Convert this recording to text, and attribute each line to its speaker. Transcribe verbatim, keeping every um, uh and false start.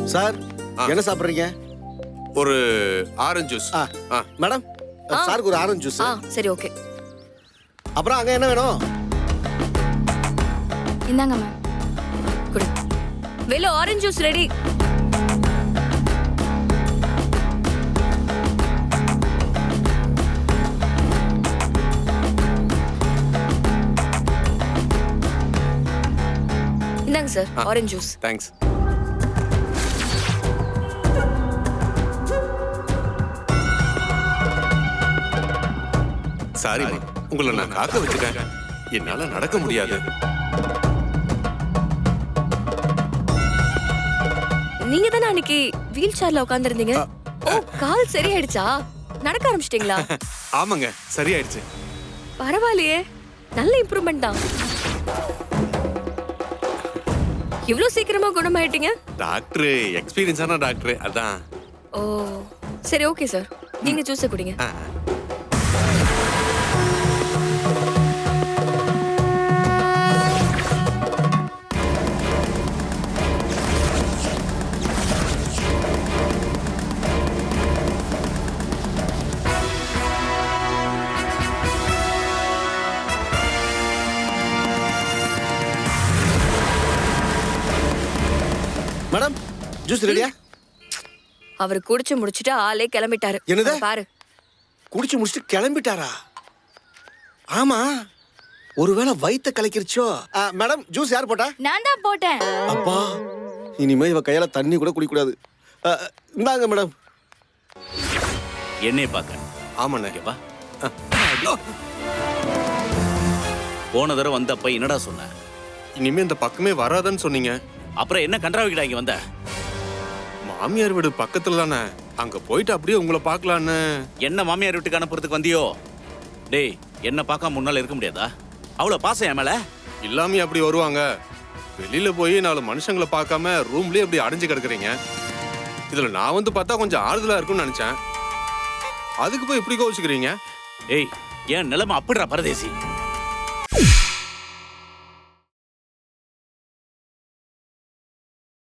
Speaker 1: Sir என்ன சாப்பிடுறீங்க?
Speaker 2: ஒரு ஆரஞ்சு ஜூஸ்.
Speaker 1: மேடம் சாருக்கு ஒரு ஆரஞ்சு ஜூஸ்.
Speaker 3: சரி ஓகே.
Speaker 1: அப்புறம் அங்க என்ன வேணும்?
Speaker 3: இந்தாங்க மேம். குடு. வெள்ளோ ஆரஞ்சு ஜூஸ் ரெடி. இந்தாங்க சார் ஆரஞ்சு ஜூஸ்.
Speaker 2: தேங்க்ஸ். சாரிமா, உங்களை நான் காக்க வச்சுட்டேன். என்னால நடக்க முடியாது.
Speaker 3: நீங்க தானே அன்னைக்கு வீல் சேர்ல உட்கார்ந்திருந்தீங்க. ஓ, கால் சரியாயிடுச்சா? நடக்க ஆரம்பிச்சிட்டீங்களா?
Speaker 2: ஆமாங்க, சரியாயிடுச்சு.
Speaker 3: பரவாயில்லையே, நல்ல இம்ப்ரூவ்மெண்ட் தான். இவ்ளோ சீக்கிரமா குணமாயிட்டீங்க?
Speaker 2: டாக்டர் எக்ஸ்பீரியன்ஸான டாக்டர், அதான்.
Speaker 3: ஓ சரி ஓகே சார், நீங்க ஜூஸை குடிங்க.
Speaker 1: மேடம் ஜூஸ் ரெடியா?
Speaker 3: அவர் குடிச்சு முடிச்சிட்டு ஆளே கிளம்பிட்டாரு.
Speaker 1: என்னது?
Speaker 3: பாரு,
Speaker 1: குடிச்சு முடிச்சிட்டு கிளம்பிட்டாரா? ஆமா, ஒருவேளை வயித்தை கலக்கிருச்சோ? மேடம் ஜூஸ் யார் போட்டா?
Speaker 3: நான் தான் போட்டேன்.
Speaker 1: அப்பா, இனிமே இவ கையால தண்ணி கூட குடிக்க கூடாது. இந்தாங்க மேடம்.
Speaker 4: என்னைய பாக்க?
Speaker 2: ஆமாண்ணே.
Speaker 4: வா. போன தடவை வந்தப்ப என்னடா சொன்ன?
Speaker 2: இனிமே இந்த பக்கமே வராதன்னு சொன்னீங்க.
Speaker 4: அப்புறம் என்ன கன்றாவிக்கிட்டா இங்க வந்த?
Speaker 2: மாமியார் வீடு பக்கத்துல தானே, அங்க போயிட்டு அப்படியே உங்களை பார்க்கலான்னு.
Speaker 4: என்ன மாமியார் வீட்டுக்கு அனுப்புறதுக்கு வந்தியோ? டேய், என்ன பார்க்காம முன்னால இருக்க முடியாதா? அவ்வளவு பாசம் என் மேல?
Speaker 2: இல்லாமே அப்படி வருவாங்க. வெளியில போய் நாலு மனுஷங்களை பார்க்காம ரூம்லயே அப்படி அடைஞ்சு கிடக்குறீங்க. இதுல நான் வந்து பார்த்தா கொஞ்சம் ஆறுதலா இருக்கும்னு நினைச்சேன். அதுக்கு போய் இப்படி கோவிச்சுக்கிறீங்க.
Speaker 4: ஏய், என் நிலைமை அப்படிடா பரதேசி.